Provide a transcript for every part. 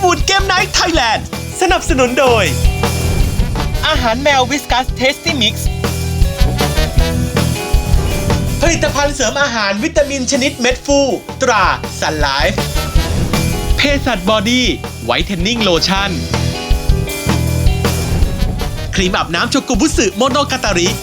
วูดเกมไนท์ไทยแลนด์สนับสนุนโดยอาหารแมววิสกัสเทสตี้มิกซ์ผลิตภัณฑ์เสริมอาหารวิตามินชนิดเม็ดฟูตราซันไลฟ์เภสัชบอดี้ไวท์เทนนิ่งโลชั่นครีมอาบน้ำโชกุบุสึโมโนกาตาริ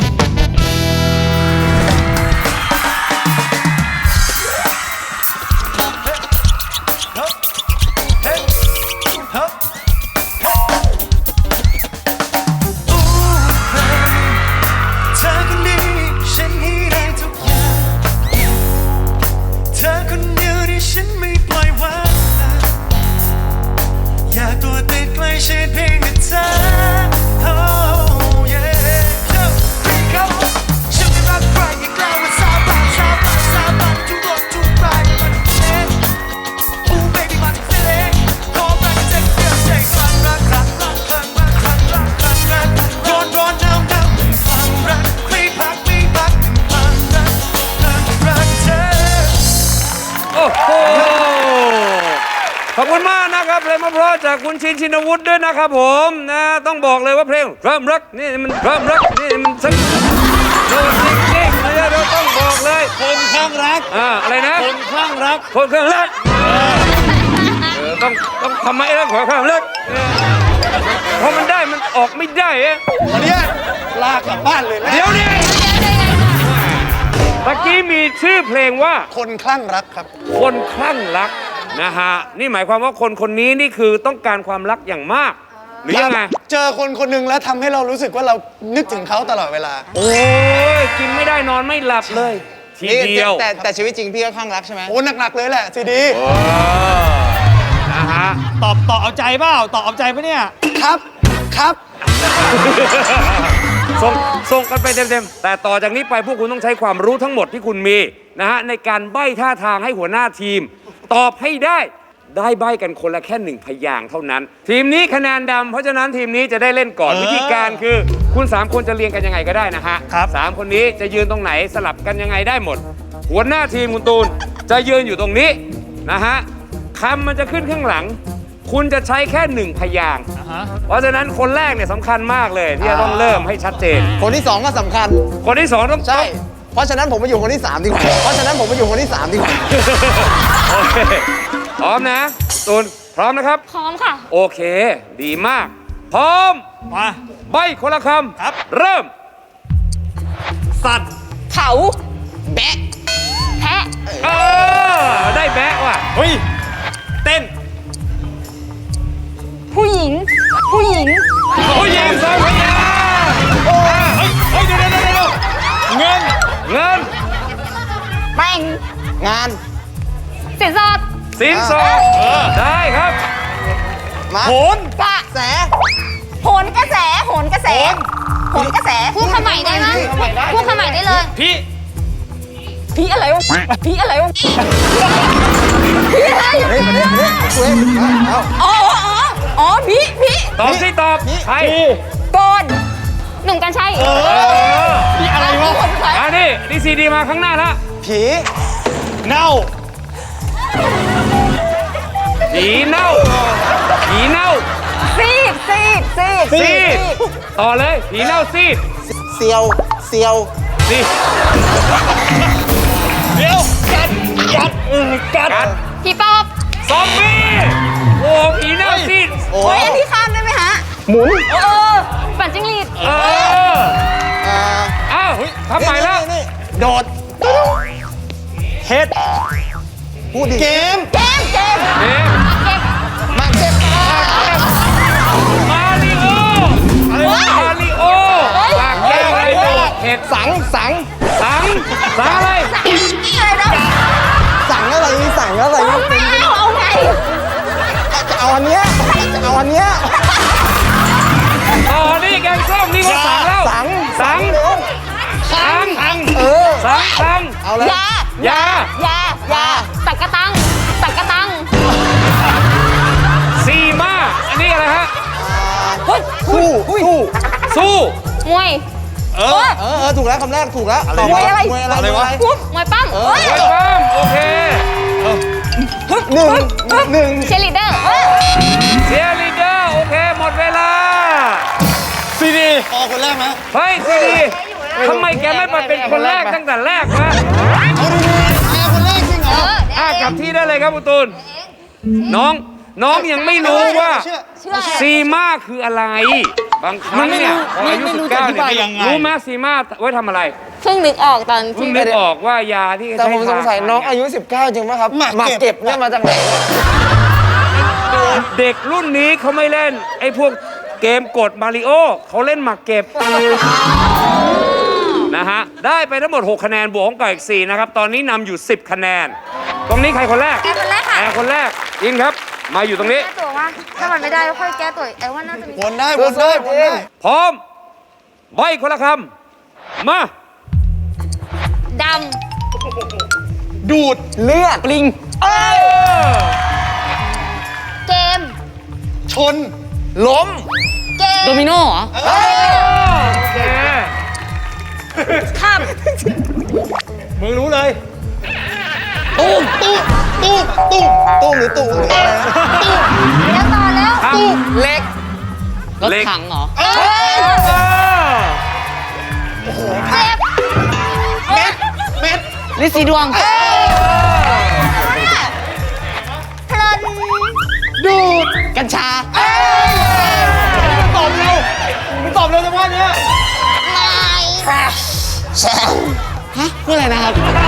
ขอบคุณมากนะครับเพลงเพราะจากคุณชินชินวุฒิด้วยนะครับผมนะต้องบอกเลยว่าเพลงเริ่มรักนี่มันเริ่มรักนี่มันสักโดนจริงๆเลยเราต้องบอกเลยคนข้างรักอะไรนะคนข้างรักคนข้างรักต้องทำไมนะคนข้างรักเพราะมันได้มันออกไม่ได้วันนี้ลากลับบ้านเลยเดี๋ยวนี้เมื่อกี้มีชื่อเพลงว่าคนคลั่งรักครับคนคลั่งรักนะฮะนี่หมายความว่าคนนี้นี่คือต้องการความรักอย่างมากหรือยังไงเจอคนหนึ่งแล้วทำให้เรารู้สึกว่าเรานึกถึงเขาตลอดเวลาโอ้ยกินไม่ได้นอนไม่หลับเลยทีเดียวแต่ชีวิตจริงพี่ก็คลั่งรักใช่ไหมโอ้หนักๆเลยแหละซีดีนะฮะตอบเอาใจเปล่าตอบเอาใจปะเนี่ยครับส่งกันไปเต็มๆแต่ต่อจากนี้ไปพวกคุณต้องใช้ความรู้ทั้งหมดที่คุณมีนะฮะในการใบ้ท่าทางให้หัวหน้าทีมตอบให้ได้ใบ้กันคนละแค่1พยางค์เท่านั้นทีมนี้คะแนนดำเพราะฉะนั้นทีมนี้จะได้เล่นก่อนวิธีการคือคุณ3คนจะเรียงกันยังไงก็ได้นะฮะ3คนนี้จะยืนตรงไหนสลับกันยังไงได้หมดหัวหน้าทีมคุณตูนจะยืนอยู่ตรงนี้นะฮะคำมันจะขึ้นข้างหลังคุณจะใช้แค่1พยางค์เพราะฉะนั้นคนแรกเนี่ยสำคัญมากเลยที่จะต้องเริ่มให้ชัดเจนคนที่2ก็สำคัญคนที่2ต้องใช่เพราะฉะนั้นผมมาอยู่คนที่3ดีกว่าโอเคพร้อมนะตูนพร้อมนะครับพร้อมค่ะโอเคดีมากพร้อมมาใบคนละคำครับเริ่มสัตว์เขาแบะแพะได้แบะว่ะเฮ้ยเต้นผู้หญิงผู้หญิงสองพยางเฮ้ยเดี๋ยวเงินแต่งงานสินสอดได้ครับโหนกระแสโหนกระแสพูดคำใหม่ได้ไหมพูดคำใหม่ได้เลยพี่อะไรวะพี่อะไรอ๋อพี่ตอบสิตอบใครโกนหนุ่มกันชัยพี่อะไรวะนี่ซีดีมาข้างหน้าละผีเน่าซีดต่อเลยผีเน่าซีดเซียวซีดเดี๋ยวกัดผีปอบซอมบี้โอ้ผีเน่าซีดโอ้ยอันนี้ข้ามได้ไหมฮะหมุนปั่นจิ้งหรีดอ้าวทำใหม่แล้วโดดเฮ็ดพูดดิเกมมาริโอปากแก้วอะไรเห็ดสังอะไรสั่งอะไรเอาไงจะเอาอันเนี้ยนี่แกงส้มนี่ก็สั่งแล้วสั่งเอาเลยยาตักกะตังซีมาอันนี้อะไรฮะสู้มวยถูกแล้วคำแรกถูกแล้วมวยอะไรมวยปั้มโอเคหนึ่งเชลิเดอร์เชียร์ลีดเดอร์โอเคหมดเวลาซีดีพอคนแรกไหมเฮ้ยซีดีทำไมแกไม่มาเป็นคนแรกตั้งแต่แรกวะเอาดีๆแกคนแรกจริงเหรอกลับที่ได้เลยครับคุณตูนน้องยังไม่รู้ว่าเชื่อเชื่อซีมาคืออะไร บางครั้งเนี่ยพออายุ19เนี่ยรู้ไหมซีมาไว้ทำอะไรเพิ่งนึกออกตอนเพิ่ที่งนึกออกว่ายาที่แต่ใช้ผมสงสัยทาน้องอายุ 19 จริงไหมครับหมากเก็บเนี่ยมาจากไหนเนี่ยเด็กรุ่นนี้เขาไม่เล่น ไอ้พวกเกมกดมาริโอเขาเล่นหมากเก็บนะฮะได้ไปทั้งหมด6คะแนนบวกของไก่อีก4นะครับตอนนี้นำอยู่10คะแนนตรงนี้ใครคนแรกแกคนแรกค่ะแอร์คนแรกยินครับ มาอยู่ตรงนี้แก้ตัวว่าถ้ามันไม่ได้ก็ค่อยแก้ตัวแอลว่าน่าจะมีวนได้วนได้วนได้พร้อมใบคนละคำมาดดูดเลือดปลิงำเกมชนล้มเกมโดมิโนเหรอโอเคขับมึงรู้เลยตู้ตู้ตู้ตู้ตู้หรือตู้หรืออะไรนะตู้แล้วต่อแล้วครับเล็กรถถังเหรอเจ็บเม็ดลิซีดวงเพลินดูดกัญชาตอบเร็วมึงตอบเร็วจังวะเนี้ยลายฮะพูดอะไรนะครับ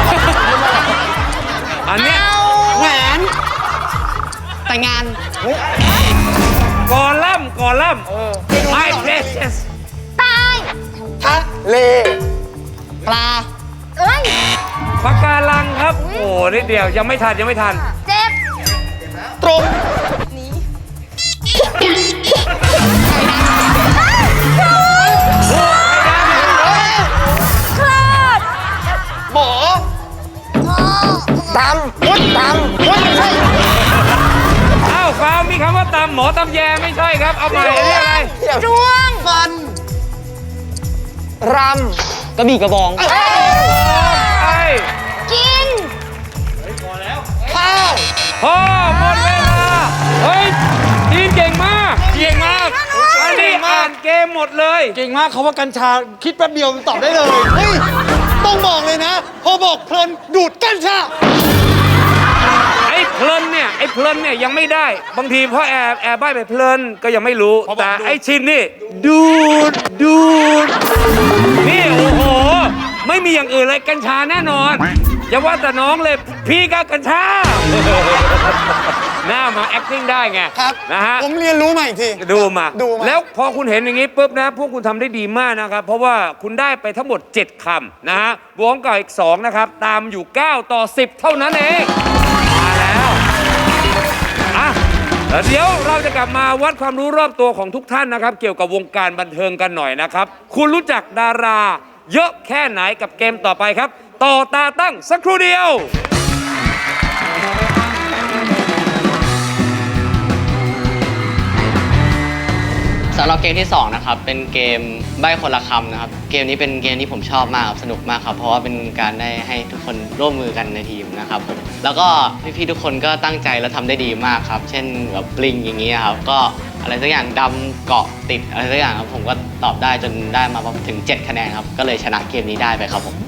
อันเนี้ยแหวน แต่งงานกอลัมน์My Precious ตายทะเล ปลาเอ้ยปากการังครับ โอ้นิดเดียวยังไม่ทันเจ็บตรงคลอดหมอตำวุ้นตำวุ้นใช่อ้าวฟาวมีคำว่าตำหมอตำแยไม่ใช่ครับ เอาใหม่อันนี้อะไรดวงฟันรำ กระบี่กระบองไอ้กินข้าวพ่อหมดเวลา เฮ้ย ทีมเก่งมาก อันนี้อ่านเกมหมดเลยเก่งมากเขาว่ากัญชาคิดแป๊บเดียวตอบได้เลยเฮ้ยต้องบอกเลยนะ พอบอกเพลินดูดกัญชาไอ้เพลินเนี่ยยังไม่ได้ บางทีเพราะแอบใบ้ไปเพลินก็ยังไม่รู้พอบอกแต่ดูดไอ้ชินนี่ ดูด นี่โอ้โห ไม่มีอย่างอื่นเลยกัญชาแน่นอน อย่าว่าแต่น้องเลย พี่ก็กัญชา หน้ามา acting ได้ไงครับนะฮะผมเรียนรู้มาอีกทีดูมาดูมาแล้วพอคุณเห็นอย่างนี้ปุ๊บนะ พวกคุณทำได้ดีมากนะครับ เพราะว่าคุณได้ไปทั้งหมด 7 คำนะฮะบวกกับอีก 2 นะครับ ตามอยู่ 9 ต่อ 10 เท่านั้นเอง มาแล้วอ่ะแล้วเดี๋ยวเราจะกลับมาวัดความรู้รอบตัวของทุกท่านนะครับ เกี่ยวกับวงการบันเทิงกันหน่อยนะครับ คุณรู้จักดาราเยอะแค่ไหนกับเกมต่อไปครับ ต่อตาตั้งสักครู่เดียวสำหรับเกมที่2นะครับเป็นเกมใบ้คนละคำนะครับเกมนี้เป็นเกมที่ผมชอบมากครับสนุกมากครับเพราะว่าเป็นการได้ให้ทุกคนร่วมมือกันในทีมนะครับผมแล้วก็พี่ๆทุกคนก็ตั้งใจและทำได้ดีมากครับเช่นแบบปลิงอย่างนี้ครับก็อะไรสักอย่างดำเกาะติดอะไรสักอย่างครับผมก็ตอบได้จนได้มาถึง7 คะแนนครับก็เลยชนะเกมนี้ได้ไปครับผม